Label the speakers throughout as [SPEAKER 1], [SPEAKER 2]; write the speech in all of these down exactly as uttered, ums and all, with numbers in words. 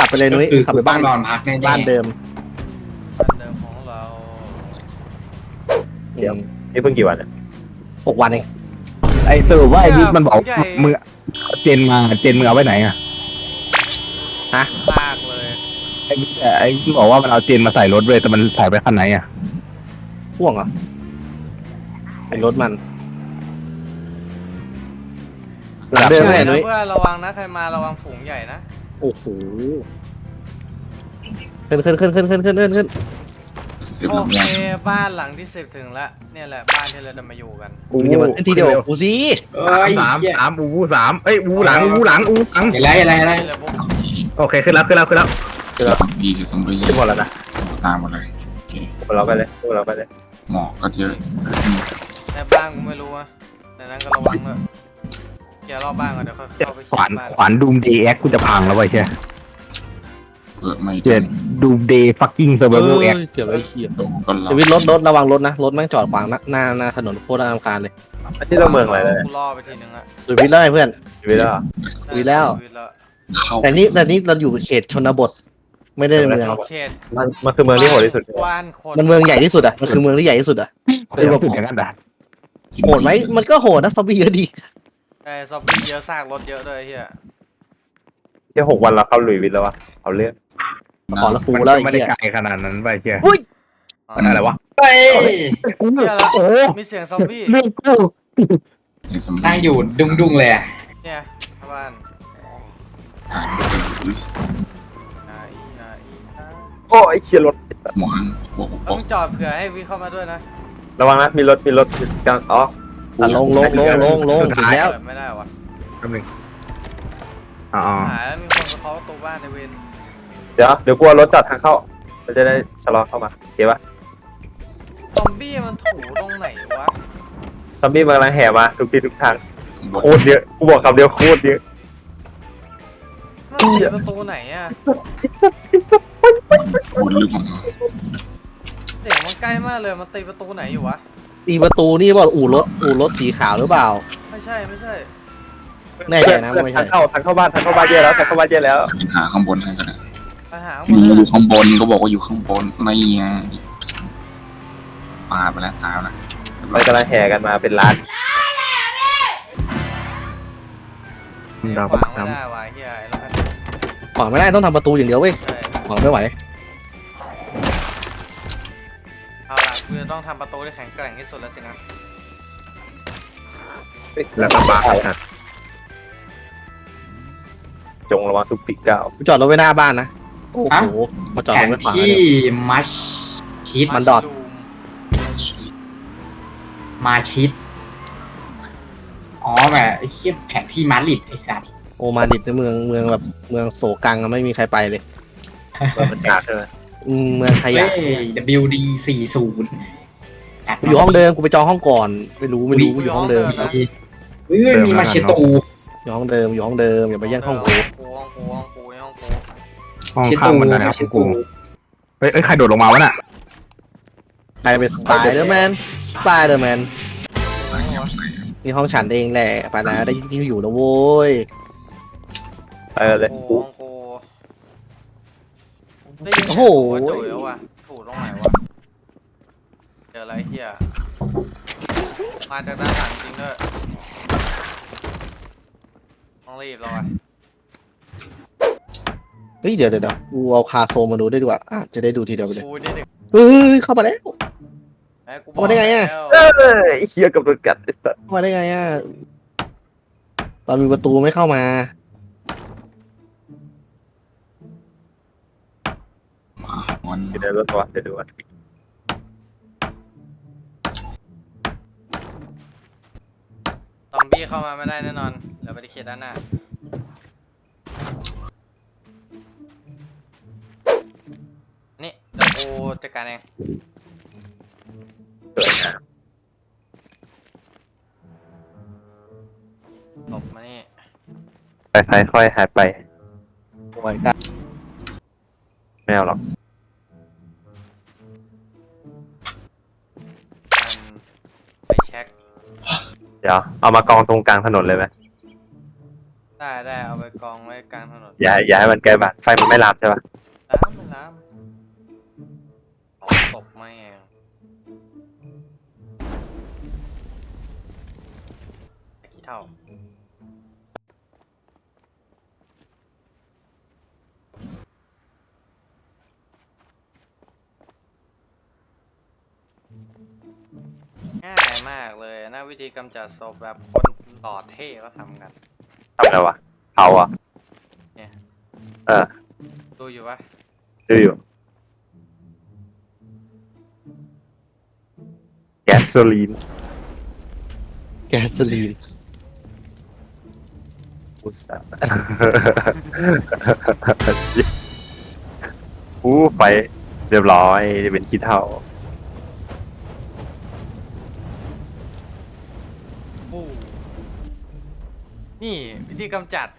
[SPEAKER 1] ไปเลยนุ้ยขับไปบ้าน
[SPEAKER 2] นอนพักแน่ๆ
[SPEAKER 1] บ้านเดิม
[SPEAKER 3] บ้านเดิมของเรา
[SPEAKER 4] เดี๋ยว นี่เพิ่งกี่วันเนี่ย
[SPEAKER 1] หกวันเอง
[SPEAKER 5] ไอ้สรุปว่าไอ้บิ๊กมันบอกมึงเจนมาเจนมึงเอาไว้ไหนอะ
[SPEAKER 3] ลากเลย
[SPEAKER 5] ไอ้บิ๊กไอ้บิ๊กบอกว่ามันเอาเจนมาใส่รถเลยแต่มันใส่ไปคันไหนอะ
[SPEAKER 1] พ่วงเหรอเป็นรถมันหลังเดิม
[SPEAKER 3] ใช่
[SPEAKER 1] แน่
[SPEAKER 3] นะ
[SPEAKER 1] นุ้ย
[SPEAKER 3] เพื่อนระวังนะใครมาระวังฝูงใหญ่นะ
[SPEAKER 1] โอ้โหขึ้นขึ้นขึ้นขึ้นขึ้นขึ้นขึ้นขึ้น
[SPEAKER 2] สิบ
[SPEAKER 3] โอ
[SPEAKER 2] ลำ
[SPEAKER 3] เค
[SPEAKER 2] ไย
[SPEAKER 3] บ้านหลังที่สิบถึงละเนี่ยแหละบ้านที่เราจะมาอยู่กัน
[SPEAKER 1] กูจะมาขึ้นทีเดียวกูสิ
[SPEAKER 2] เอ้ย
[SPEAKER 5] สามสามอูวูสามเอ้ยอูหลังอูหลังอูหลัง
[SPEAKER 2] อะไรอะไรอะไร
[SPEAKER 3] เลยพวก
[SPEAKER 5] โอเคขึ้นแล้วขึ้นแล้วขึ้นแล้ว
[SPEAKER 2] คือซอมบี้คือซอมบี้
[SPEAKER 4] ขึ้นหมดแล้วนะ
[SPEAKER 2] ตามหมดเลยโอเค
[SPEAKER 4] พวกเราไปเลยพวกเราไปเลย
[SPEAKER 2] หมอกก็เยอะ
[SPEAKER 3] ในบ้านกูไม่รู้อะในนั้นก็ระวังเลยเคลียร์รอบบ้านก่อนเดี๋ยวค่อยเข้าไปเค
[SPEAKER 5] ข
[SPEAKER 3] ลี
[SPEAKER 5] วาย น
[SPEAKER 3] ร์บ้าน
[SPEAKER 5] ขวานดูมเดย์แอคกูจะพังแล้วไว้ใช่
[SPEAKER 2] เกิดไม่
[SPEAKER 5] เจ็
[SPEAKER 2] ได้
[SPEAKER 5] ดดูมเดย์ฟักกิ้งเซอร์ไวเวอร์แอค
[SPEAKER 1] เกือบไอ้เหี้ย
[SPEAKER 2] โดนก็รอ
[SPEAKER 1] ชีวิตรถรถระวังรถนะรถแม่งจอดขวางหน้าหน้าหน้าถนนโคตรน่ารำคาญเลย
[SPEAKER 4] อันนี้เราเมืองอะไรเลย
[SPEAKER 3] กูล่อไปทีนึงละ
[SPEAKER 1] ชีวิตแล้วไงเพื่อน
[SPEAKER 4] ชีวิตแล้วเหรอ
[SPEAKER 1] มีแล้ว
[SPEAKER 3] ชีตแล้ว
[SPEAKER 2] เข้า
[SPEAKER 1] แต่นี่แต่นี่เราอยู่เขตชนบท ไม่ได้ในเมือง
[SPEAKER 3] เอาเขต
[SPEAKER 4] มันมันคือเมืองที่โหดที่สุด
[SPEAKER 3] กว้านคน
[SPEAKER 1] มันเมืองใหญ่ที่สุดอ่ะมันคือเมืองที่ใหญ่ที่สุดอ่ะ
[SPEAKER 5] คือแบบสุดอย่างนั้นด่ะ
[SPEAKER 1] โหดไหมมันก็โหดนะซอมบี้เยอะดี
[SPEAKER 3] ไอ้ซอมบี้เยอะซากรถเยอะด้วยเฮีย
[SPEAKER 4] แค่หกวันเราเข้าลุยวิทย์แล้ววะเอาเรื่อง
[SPEAKER 1] ขอละกู
[SPEAKER 5] มัน
[SPEAKER 1] แล้ว
[SPEAKER 5] ก็
[SPEAKER 1] ไอ้
[SPEAKER 5] ไม่ได้
[SPEAKER 1] เหี้ย
[SPEAKER 5] ไกลขนาดนั้นไปเชีย
[SPEAKER 1] อุ้ย
[SPEAKER 5] มันอะไรวะ
[SPEAKER 2] เฮ้ย
[SPEAKER 5] กู
[SPEAKER 3] เฮียแล้ว
[SPEAKER 5] โอ้
[SPEAKER 3] มีเสียงซอมบี้
[SPEAKER 5] เรื่องกู
[SPEAKER 2] ไอ้ซอมบี้
[SPEAKER 6] นั่งอยู่ดุ้งดุ้งๆเลยอะ
[SPEAKER 3] เนี่ยชาวบ้าน
[SPEAKER 2] อ่านเสียงหรือ
[SPEAKER 3] อ่าอีอ่าอีอ่า
[SPEAKER 4] โอ้ยเชียรถ
[SPEAKER 2] หมอนบอกบ
[SPEAKER 3] ต้
[SPEAKER 2] อ
[SPEAKER 3] อก งจอดเผื่อให้วิเข้ามาด้วยนะ
[SPEAKER 4] ระวังนะมีรถมีรถกลางอ๋อ
[SPEAKER 1] อ่ะลงลงลงลงลงถึงแล้ว
[SPEAKER 3] เปิดไม่ได้วะ
[SPEAKER 5] แป๊บนึงอ๋อ
[SPEAKER 3] หายแล้วมีคนมาเคาะประตูบ้านในเวร
[SPEAKER 4] เดี๋ยวเดี๋ยวกลัวรถจอดทางเข้าเราจะได้ชะลอเข้ามาโอเคปะ
[SPEAKER 3] ซอมบี้มันถูตรงไหนวะ
[SPEAKER 4] ซอมบี้มันกำลังแห่มาทุกที่ทุกทาง
[SPEAKER 2] ข้างบน
[SPEAKER 4] โคตรเยอะกูบอกคำเดียวโคตรเยอะ
[SPEAKER 3] มันปิดประตูไหนอะ
[SPEAKER 2] บนหรือเปล่า
[SPEAKER 3] เสียงมันใกล้มากเลยมันตีประตูไหนอยู่วะ
[SPEAKER 1] ตีประตูนี่ว่าอู่รถอู่รถสีขาวหรือเปล่า
[SPEAKER 3] ไม่ใช่ไม่ใช่
[SPEAKER 1] แน่ใจนะว่าไม่ใช่
[SPEAKER 4] ทางเข้าทางเข้าบ้านทางเข้าบ้านเยอะแล้วทางเข้าบ้านเยอะแล้ว
[SPEAKER 2] เป็นหาข้างบนให้ก็ได้
[SPEAKER 3] ไปหา
[SPEAKER 2] อยู่อยู่ข้างบนก็บอกว่าอยู่ข้างบนไม่ไงปาไปแล้วตายแล้ว
[SPEAKER 4] มันกำลังแห่กันมาเป็นล้าน
[SPEAKER 5] ดาว
[SPEAKER 3] ขวาง
[SPEAKER 5] ซ้
[SPEAKER 3] ไม่ได้วะเฮียไอ้แล้วกัน
[SPEAKER 1] ขวางไม่ได้ต้องทำประตูอย่างเดียวเว้ย
[SPEAKER 3] ใช่
[SPEAKER 1] ขวางไม่ไหว
[SPEAKER 3] เอาล่ะกูจะต้องทำประตูที่แข็งแกร่งที่สุดแล้วสินะ
[SPEAKER 5] ำแล้วก็บ้าครับ
[SPEAKER 4] จงระวังทุกปีกก้าว
[SPEAKER 1] กูจอดรถไว้หน้าบ้านนะโอ้โหพอจอด
[SPEAKER 6] แผ
[SPEAKER 1] รถ
[SPEAKER 6] น
[SPEAKER 1] ไว้ขวาง
[SPEAKER 6] ที่
[SPEAKER 1] เนี่ย
[SPEAKER 6] มัชชิด
[SPEAKER 1] มันดอท
[SPEAKER 6] มาชิด อ๋อแบบไอ้เชี่ยแผนที่มาดริดไอ้สัตว์
[SPEAKER 1] โอมาดิดในเมืองเมืองแบบเมืองโศกังอะไม่มีใครไปเลย
[SPEAKER 4] เปิดบรรยากาศใช่ไหม
[SPEAKER 1] อืมเมืองข
[SPEAKER 6] เฮ้
[SPEAKER 1] ยะ
[SPEAKER 6] ย ดับเบิลยู ดี สี่สิบ
[SPEAKER 1] กูอยู่ห้องเดิมกูไปจองห้องก่อน ไม่รู้ไม่รู้กูอยู่ห้องเดิม
[SPEAKER 6] เฮ้ยมีมาเชตู
[SPEAKER 1] อยู่ห้องเดิมอยู่ห้องเดิมอย่าไปแย่งห้องกู
[SPEAKER 3] กูห้องกูห้องกูห้องกู
[SPEAKER 5] ห้อง
[SPEAKER 6] เช
[SPEAKER 5] ข้า
[SPEAKER 6] ตู
[SPEAKER 5] งมันนะค
[SPEAKER 6] มา
[SPEAKER 5] รับ
[SPEAKER 6] เช
[SPEAKER 5] กู
[SPEAKER 6] ตู
[SPEAKER 5] เฮ้ยเอ้ยใครโดดลงมาวะน่ะ
[SPEAKER 1] ใครเป็นสไปเดอร์แมนสไปเดอร์แมน
[SPEAKER 2] ใส่เงียบใส่
[SPEAKER 1] นี่ห้องฉันเองแหละไปนะได้ที่อยู่แล้วโว้ย
[SPEAKER 4] ไปเลย
[SPEAKER 3] กูห้องกูได้ยิน
[SPEAKER 1] โอ้
[SPEAKER 3] เสียง
[SPEAKER 1] โห
[SPEAKER 3] หัวจุ๋ยแล้ววะถูตรงไหนวะเจออะไรเฮียมาจากด้านหลังจริงด้วยต้องรีบแล้ววะ
[SPEAKER 1] เฮ้ยเดี๋ยวเดี๋ยวเดี๋ยวกูเอาคาโซมาดูได้ดีกว่าอ่ะจะได้ดูทีเดียวไปเลย
[SPEAKER 3] กูนี่เด็ก
[SPEAKER 1] เฮ้ยเข้ามาแล้ว
[SPEAKER 3] ไอ้กู
[SPEAKER 1] เอาได้ไงอะ
[SPEAKER 3] แล้ว
[SPEAKER 4] เอ้ยเฮียกับโดนกัดไอ้สัส
[SPEAKER 1] เข้ามาได้ไงอ่ะตอนมีประตูไม่เข้ามา
[SPEAKER 2] มาวัน
[SPEAKER 4] อยู่ในรถตัวเดี๋ยวดูว่า
[SPEAKER 3] ซอมบี้เข้ามาไม่ได้แน่นอนเดี๋ยวไปที่เขตด้านหน้านี่เดี๋ยวกูจัดการเอง
[SPEAKER 4] สวยงาม
[SPEAKER 3] หลบมานี่
[SPEAKER 4] ไปไปค่อยหายไป
[SPEAKER 1] โอ้ยได้
[SPEAKER 4] ไม่เอาหรอก
[SPEAKER 3] มันไปเช็ค
[SPEAKER 4] เดี๋ยวเอามากองตรงกลางถนนเลยไหม
[SPEAKER 3] ได้ได้เอาไปกองไว้กลางถนน
[SPEAKER 4] อย่าอย่าให้มันใกล้บ้านไฟมันไม่ลามใช่ปะ
[SPEAKER 3] น้ำไม่น้ำของตบไม่เองกี่เท่าง่ายมากเลยนะวิธีกำจัดศพแบบคนหล่อเท่ก็ทำกัน
[SPEAKER 4] ทำไงวะเผาอ่ะ
[SPEAKER 3] เนี่ย
[SPEAKER 4] เออ
[SPEAKER 3] ดูอยู่ปะ
[SPEAKER 4] ดูอยู่แก๊สโซลีน
[SPEAKER 1] แกสลีน
[SPEAKER 4] อุตส่าห์ อู้ไฟเรียบร้อยเป็นขี้เถ้า
[SPEAKER 3] โอ้นี่วิธีกำจัด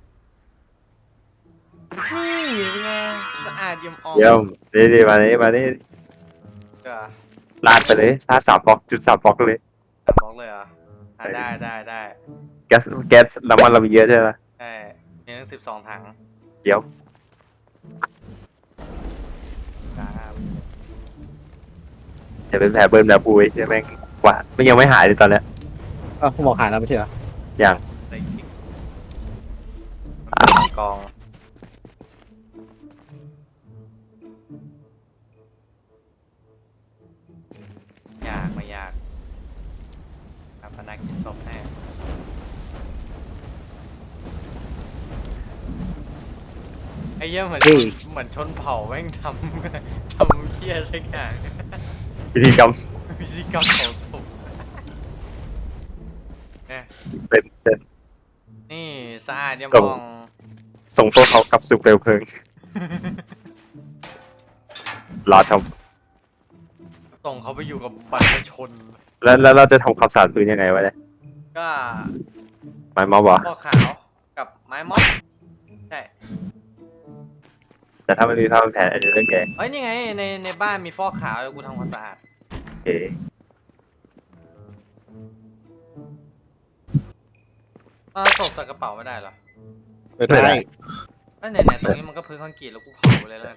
[SPEAKER 3] นี่เป็นไงสะอาดเยี่ยมอ่อง
[SPEAKER 4] เยี่ยมนี่นี่มานี่มานี่
[SPEAKER 3] ก็
[SPEAKER 4] ลาดไปเลยลาดสามฟอกจุดสามฟอกเลย
[SPEAKER 3] บอกเลยเหรออ่ะได้ได้ได้
[SPEAKER 4] แก๊สแก๊สน้ำมันเรามีเยอะใช่ไหม
[SPEAKER 3] ใช่มีทั้งสิบสองถัง
[SPEAKER 4] เดี๋ยว
[SPEAKER 3] ครับ
[SPEAKER 4] จะเป็นแผลเบิ้ลแบบปุยใช่ไหมกว่ามันยังไม่หายเลยตอนเนี้ย
[SPEAKER 1] อ้าวผมบอกหายแล้วไม่ใช่เหรอ
[SPEAKER 4] อย่าง
[SPEAKER 3] ใส่กิ๊กมันเป็นกองยากไม่ยากทำพนักกิจศพแน่ไอ้เหี้ยเหมือนเหมือนชนเผ่าแม่งทำ ทำเหี้ยสักอย่าง
[SPEAKER 4] พิธีกรรม
[SPEAKER 3] วิธีกรรมเผาศพเนี่ย
[SPEAKER 4] เป็นเป็น
[SPEAKER 3] นี่สะอาดเยี่ยม
[SPEAKER 4] ครับ
[SPEAKER 3] มอง
[SPEAKER 4] ส่งพวกเขากลับสู่เปลวเพลิงรอท
[SPEAKER 3] ส่งเขาไปอยู่กับบรรพชน
[SPEAKER 4] ำแล้วแล้วเราจะทำความสะอาดพื้นยังไงวะเนี่ย
[SPEAKER 3] ก็
[SPEAKER 4] ไม้มอบเหรอ
[SPEAKER 3] พวกขาวกับไม้ม็อบใช่
[SPEAKER 4] แต่ถ้ามันมีผ้าพันแผลอาจจะเรื่องแก
[SPEAKER 3] เอ้ยนี่ไงในในบ้านมีฟอกขาวแล้วกูทำความสะอาด
[SPEAKER 4] โอเค
[SPEAKER 3] เอาศพใส่กระเป๋าไม่ได้เหรอ
[SPEAKER 1] ไปได้
[SPEAKER 3] เอ้ยไหนๆตรงนี้มันก็พื้นคอนกรีตแล้วกูเผาเลยแล้วกัน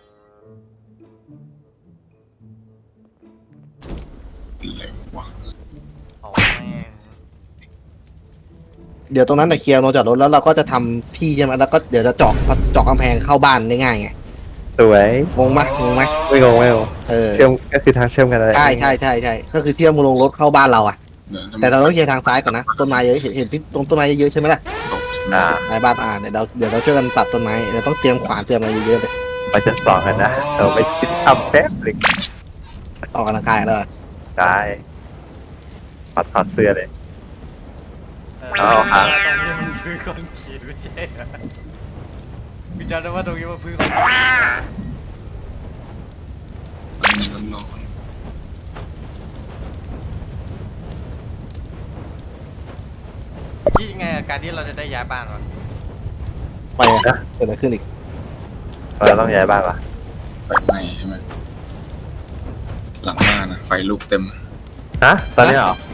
[SPEAKER 2] อะไรวะ
[SPEAKER 3] เผาแม่ง
[SPEAKER 1] เดี๋ยวตรงนั้นแต่เคลียร์ลงจอดรถแล้วเราก็จะทำที่ใช่ไหมแล้วก็เดี๋ยวจะเจาะเจาะกำแพงเข้าบ้านได้ง่ายไง
[SPEAKER 4] สวย
[SPEAKER 1] งงไหมงงไหม
[SPEAKER 4] ไม่งงไม่งง
[SPEAKER 1] เออ
[SPEAKER 4] เชื่อมก็คือทางเชื่อมกันอะไร
[SPEAKER 1] ใช่ใช่ใช่ใช่ก็คือเชื่อมลงรถเข้าบ้านเราอะ
[SPEAKER 2] เดี๋ยวจะ
[SPEAKER 1] แต่เราต้องเคลียร์ทางซ้ายก่อนนะต้นไม้เยอะเห็นเห็นที่ตรงต้นไม้เยอะๆใช่ไหมล่ะ
[SPEAKER 2] ศพ
[SPEAKER 4] อ่า
[SPEAKER 1] ในบ้านอ่าเดี๋ยวเราเดี๋ยวเราช่วยกันตัดต้นไม้เดี๋ยวต้องเตรียมขวานเตรียมอะไรเยอะๆเลย
[SPEAKER 4] ไปชั้นสองกันนะเราไปซิทอัพแป๊บหนึ่ง
[SPEAKER 1] ออกกำลังกายแล้วอะ
[SPEAKER 4] ได้ถอดถอดเสื้อเลย
[SPEAKER 3] เออ
[SPEAKER 4] เอาครับ
[SPEAKER 3] ตรงนี้มันพื้นคอนกรีตไม่ใช่เหรอกูจำได้ว่าตรงนี้มันพื้นคอนกรีต
[SPEAKER 2] มันร้อน
[SPEAKER 3] คิดยังไงกับการที่เราจะได้ย้ายบ้านวะ
[SPEAKER 1] ไปอะเกิดอะไรขึ้นอีก
[SPEAKER 4] เราต้องย้ายบ้านปะ
[SPEAKER 2] ไฟไหม้ใช่ไหมหลังบ้านนะไฟลุกเต็ม
[SPEAKER 4] ฮะตอนนี้เหรอ